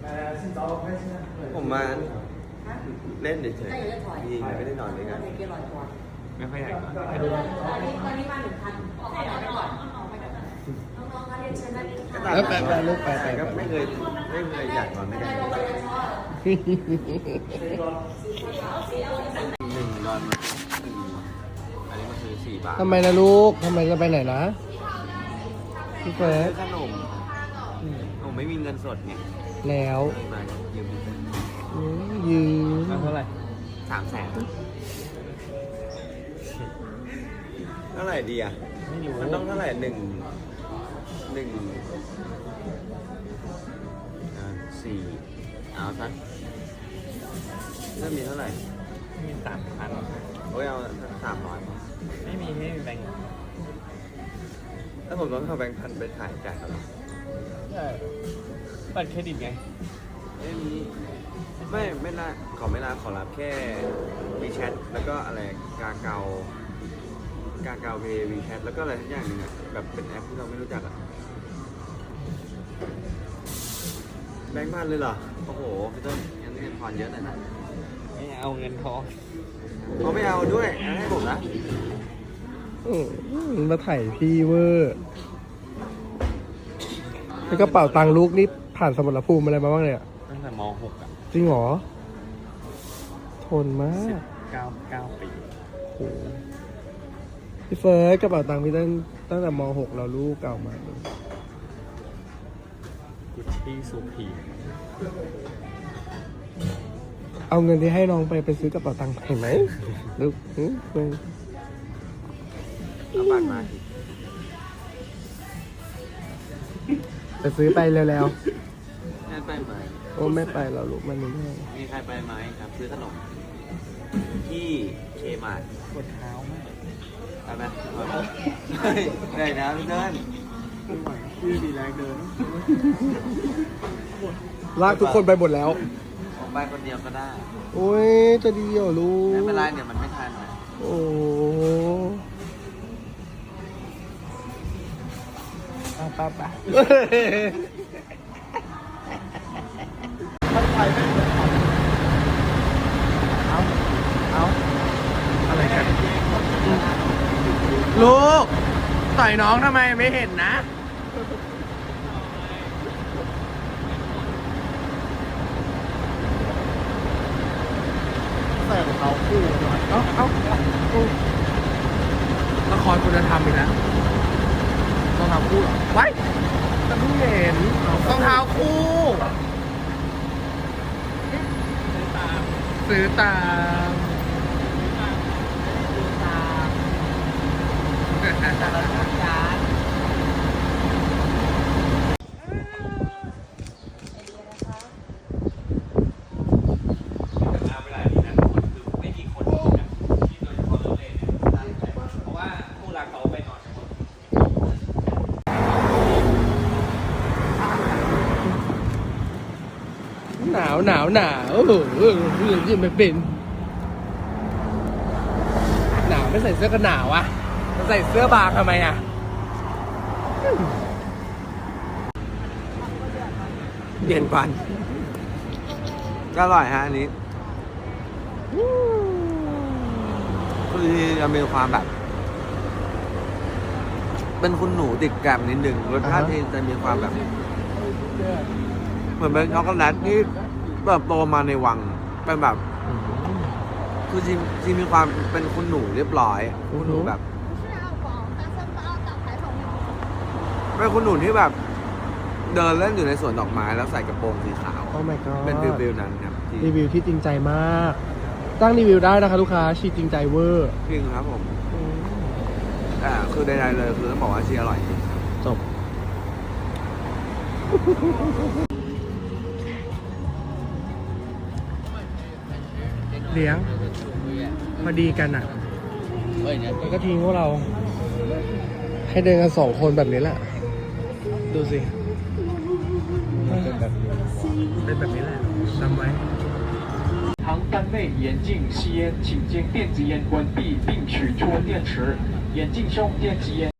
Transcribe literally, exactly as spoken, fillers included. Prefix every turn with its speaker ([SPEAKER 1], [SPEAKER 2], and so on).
[SPEAKER 1] ผมมาเล่นเฉยๆยิงไม่ได้นอนด้วยกันไม่ค่อยอยากนอน
[SPEAKER 2] ตอนนี้ตอนนี้มาหนึ่งพันออกไปก่อนก่อนออกไปก่อนน้องๆคะเรียนเชิญด้านนี้ค่ะ
[SPEAKER 1] แล้วไปไปลูกไปไปก็ไม่เคยไม่เคยอยากนอนด้วยกันหนึ่งนอนอันนี้มันคือสี่บาท
[SPEAKER 3] ทำไมนะลูกทำไมจะไปไหนนะพี่เฟิร์ส
[SPEAKER 1] ขนมผมไม่มีเงินสดไง
[SPEAKER 3] แล้ว
[SPEAKER 1] มายืม
[SPEAKER 3] อืมยืม
[SPEAKER 1] เท่าไหร่สามแสนเท่าไหร่ดีอ่ะมันต้องเท่าไหร่หนึ่งหนึ่งสี่เอาสักเริ่มมีเท่าไหร่
[SPEAKER 4] มีสามพัน
[SPEAKER 1] โอ้ยเอาสามร้อย
[SPEAKER 4] ไม่มีไม่มีแบงค์
[SPEAKER 1] ถ้าผมต้องเอาแบงค์พันไปถ่ายจ่ายเขาหรอ
[SPEAKER 4] ใช่บัตรเครดิตไง
[SPEAKER 1] ไม่มีไม่ไม่ละขอไม่ละขอรับแค่วีแชทแล้วก็อะไรกาเกากาเกาเพย์วีแชทแล้วก็อะไรทุกอย่างหนึงอ่ะแบบเป็นแอปที่เราไม่รู้จักอ่ะแบงค์พันเลยเหรอโอ้โหพี่ต้นงั้นเงินผ่อนเยอะหน่อยนะ
[SPEAKER 4] ไม่เอาเงินทอง
[SPEAKER 1] เขาไม่เอาด้วยงั้นให้ผมนะ
[SPEAKER 3] อืมมาถ่ายพี่เวอร์แล้วกระเป๋าตังค์ลูกนี่ผ่านสมรภูมิอะไรมาบ้างเนี่ย
[SPEAKER 4] ตั้งแต่ม หก อ่ะ
[SPEAKER 3] จริงเหรอ ทนมา
[SPEAKER 4] สิ
[SPEAKER 3] ก
[SPEAKER 4] บเก้าเก้าปี
[SPEAKER 3] โอ้โหพี่เฟิร์สกระเป๋าตังค์พี่ตั้งตั้งแต่ม หกเราลูกเก่ามาเลย
[SPEAKER 4] กุชชี่ซูพี
[SPEAKER 3] เอาเงินที่ให้น้องไปไปซื้อกระเป๋าตังค์เห็นไหมลูกอืมอืม
[SPEAKER 1] เอาบัตรมาสิ
[SPEAKER 3] ไปซื้อไปเร็ว
[SPEAKER 1] งั้นไปไหม
[SPEAKER 3] ๆโอ้ไม่ไปเราลูกมันไม่ได้
[SPEAKER 1] มีใครไปไหมครับซื้อขนมที่เคมาร์ท
[SPEAKER 4] ปวดเท้ามาก
[SPEAKER 1] ไปไหมเฮ้ยได้นะพี่เติ้ล
[SPEAKER 4] ไม่ไหวชื่อดีแรงเดิน
[SPEAKER 3] ลากทุกคนไปหมดแล้ว
[SPEAKER 1] ผมไปคนเดียวก็ได้
[SPEAKER 3] โอ้ยจะดีเหรอลูก
[SPEAKER 1] ไม่เป็นไรเดี๋ยวมันไม่ทันนะ
[SPEAKER 3] โอ้ปะปะเอาเอาอะไรกันลูกต่อยน้องทำไมไม่เห็นนะ ใส่ของเขาคู่หน่อยเอ้าเอ้าคู่ละครคุณธรรมอีกแล้วรองเท้าคู่เหรอไว้แต่เพิ่งเห็นรองเท้าคู่ซื้อตามซื้อตามจาน
[SPEAKER 4] เวลานี้นะคือไม่มีคนที่แบบที่โดยเฉพาะเลิฟเลยเนี่ยเพราะว่าคู่รักเขาไปนอน
[SPEAKER 3] หนาวหนาวหนาวเออเออเรื่องที่ไม่เป็นหนาวไม่ใส่เสื้อกันหนาวอ่ะใส่เสื้อบางทำไมอ่ะ
[SPEAKER 1] เย็นปันก็อร่อยฮะอันนี้คือจะมีความแบบ เป็นคุณหนูติดแกรมนิดนึงรสชาติที่จะมีความแบบ เหมือนเป็นช็อกโกแลตที่เติบโตมาในวังเป็นแบบ คือจริงจริงมีความเป็นคุณหนูเรียบร้อยคุณหนูแบบเป็นคุณหนูที่แบบ เดินเล่นอยู่ในสวนดอกไม้แล้วใส่กระโปรงสีขาว
[SPEAKER 3] โอ้ my god
[SPEAKER 1] เป็นวิววิวนั้นครับที่
[SPEAKER 3] รีวิวที่จริงใจมากตั้งรีวิวได้นะคะลูกค้าชีจริงใจเวอร์
[SPEAKER 1] จริงครับผมแต่คือใดๆเลยคือต้องบอกว่าชีอร่อยจริง
[SPEAKER 3] จบเลี้ยงพอดีกันอ่ะแล้วก็ทิ้งพวกเรา ให้เดินกันสองคนแบบนี้แหละ ดูสิ เป็นแบบนี้แหละจำไว้
[SPEAKER 5] 航班内严禁吸烟，请将电子烟关闭并取出电池。严禁使用电子烟。